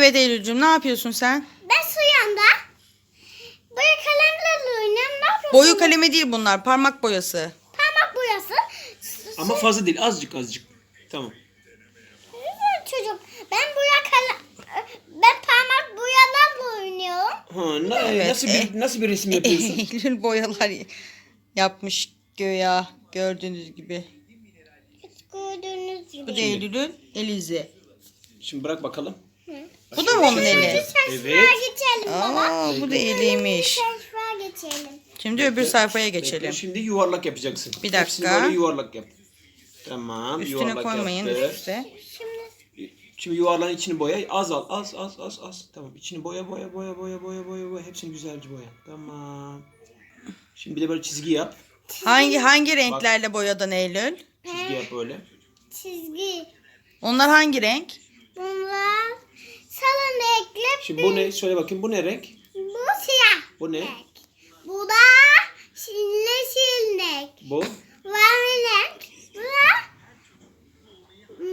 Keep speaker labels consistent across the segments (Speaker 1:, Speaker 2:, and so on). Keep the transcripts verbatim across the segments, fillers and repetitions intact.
Speaker 1: Evet Eylül'cüğüm, ne yapıyorsun sen?
Speaker 2: Ben su yanında boya kalemlerle oynuyorum. Ne yapıyorsun?
Speaker 1: Boyu kalemi değil bunlar, parmak boyası.
Speaker 2: Parmak boyası.
Speaker 3: Ama fazla değil, azıcık azıcık. Tamam.
Speaker 2: Güzel çocuk. Ben boya kalem... Ben parmak boyalarla oynuyorum.
Speaker 3: Ha, na-
Speaker 1: Evet,
Speaker 3: nasıl bir nasıl bir resim yapıyorsun?
Speaker 1: Eylül boyalar yapmış göya, gördüğünüz gibi.
Speaker 2: Gördüğünüz gibi.
Speaker 1: Bu da Eylül'ün elizi.
Speaker 3: Şimdi bırak bakalım.
Speaker 1: Bu da mı onun eli?
Speaker 3: Evet.
Speaker 2: Sayfaya geçelim baba.
Speaker 1: Aa, bu da eliymiş.
Speaker 2: Sayfaya geçelim.
Speaker 1: Şimdi öbür sayfaya
Speaker 3: Bekle,
Speaker 1: geçelim.
Speaker 3: şimdi yuvarlak yapacaksın.
Speaker 1: Bir dakika.
Speaker 3: Hepsini böyle yuvarlak yap. Tamam.
Speaker 1: Üstüne
Speaker 3: yuvarlak
Speaker 1: koymayın,
Speaker 3: yaptı.
Speaker 1: üst üste.
Speaker 2: Şimdi
Speaker 3: Şimdi yuvarlağın içini boya. Az al. Az az az az. Tamam. İçini boya boya boya boya boya boya boya. Hepsini güzelce boya. Tamam. Şimdi bir de böyle çizgi yap.
Speaker 1: Hangi hangi renklerle boyadın Eylül?
Speaker 3: Çizgi yap böyle.
Speaker 2: çizgi.
Speaker 1: Onlar hangi renk?
Speaker 2: Bunlar sarı renkli.
Speaker 3: Şimdi bu ne? Söyle bakayım. Bu ne renk?
Speaker 2: Bu siyah.
Speaker 3: Bu ne?
Speaker 2: renk. Bu da yeşil renk.
Speaker 3: Bu.
Speaker 2: Mavi renk. Bu da hmm,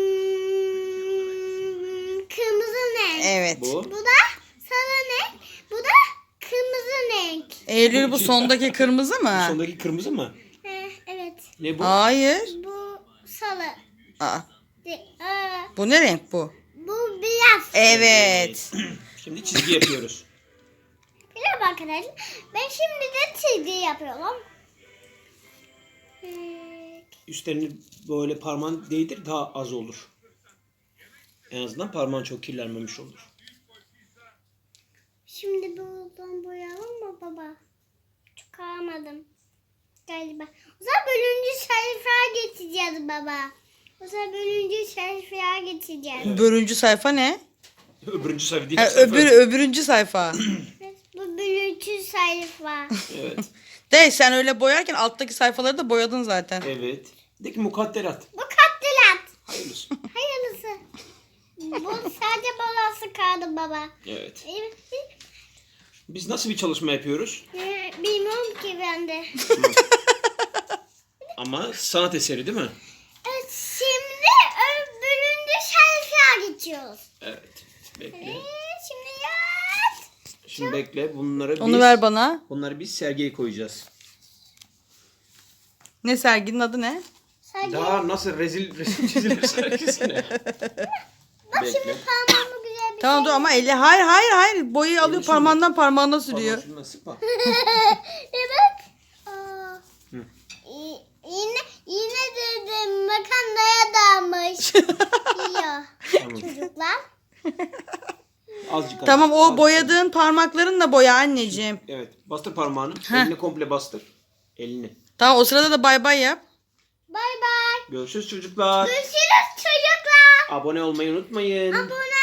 Speaker 2: kırmızı renk.
Speaker 1: Evet.
Speaker 3: Bu.
Speaker 2: Bu da sarı renk. Bu da kırmızı renk.
Speaker 1: Eylül, bu sondaki kırmızı mı?
Speaker 3: Sondaki kırmızı mı?
Speaker 2: He, evet.
Speaker 3: Ne bu?
Speaker 1: Hayır.
Speaker 2: Bu sarı.
Speaker 1: Aa,
Speaker 2: De- aa,
Speaker 1: bu ne renk bu?
Speaker 2: bu beyaz.
Speaker 1: Evet.
Speaker 3: Şimdi çizgi yapıyoruz.
Speaker 2: Merhaba arkadaşlar. Ben şimdi de çizgi yapıyorum. Hmm,
Speaker 3: Üstlerini böyle parmağın değdir, daha az olur. En azından parmağın çok kirlenmemiş olur.
Speaker 2: Şimdi buradan boyayalım mı baba? Çıkaramadım. Galiba. O zaman bölüncü sayfaya geçeceğiz baba. O zaman bölüncü sayfaya geçeceğiz.
Speaker 1: Öbürüncü sayfa ne?
Speaker 3: Öbürüncü sayfa değil.
Speaker 1: Ha,
Speaker 3: sayfa.
Speaker 1: öbür öbürüncü sayfa.
Speaker 2: Bu bölüncü sayfa.
Speaker 3: Evet.
Speaker 1: De sen öyle boyarken alttaki sayfaları da boyadın zaten.
Speaker 3: Evet. De ki mukadderat.
Speaker 2: Bu katlilat.
Speaker 3: Hayırlısı.
Speaker 2: Hayırlısı. Bu sadece balası kaldı baba.
Speaker 3: Evet.
Speaker 2: Evet.
Speaker 3: Biz nasıl bir çalışma yapıyoruz?
Speaker 2: Ee, Bilmiyorum ki ben de.
Speaker 3: Ama sanat eseri değil mi?
Speaker 2: Evet, şimdi bölüncü sayfaya geçiyoruz.
Speaker 3: Evet. Bekle.
Speaker 2: Ee, şimdi yat.
Speaker 3: Şimdi bekle. Bunları biz,
Speaker 1: Onu ver bana.
Speaker 3: bunları biz sergiye koyacağız.
Speaker 1: Ne serginin adı ne?
Speaker 2: Sadece
Speaker 3: Daha nasıl rezil resim çizilir sergisine.
Speaker 2: bak şimdi
Speaker 3: Bekle.
Speaker 2: parmağımı güzel bir
Speaker 1: Tamam
Speaker 2: şey.
Speaker 1: dur ama eli hayır hayır hayır boyayı alıyor
Speaker 3: şimdi-
Speaker 1: parmağından parmağına sürüyor.
Speaker 3: Parmağın şundan sıkma.
Speaker 2: Evet. Aa.
Speaker 3: Hı.
Speaker 2: Y- Yine yine dedim makarnaya dalmış. Yiyor
Speaker 3: Tamam.
Speaker 2: çocuklar.
Speaker 3: Azıcık az.
Speaker 1: Tamam, o
Speaker 3: Az.
Speaker 1: boyadığın parmaklarınla boya anneciğim.
Speaker 3: Evet. Bastır parmağını.
Speaker 1: Heh.
Speaker 3: Elini komple bastır. Elini.
Speaker 1: Tamam, o sırada da bay bay yap.
Speaker 2: Bay bay.
Speaker 3: Görüşürüz çocuklar.
Speaker 2: Görüşürüz çocuklar.
Speaker 3: Abone olmayı unutmayın.
Speaker 2: Abone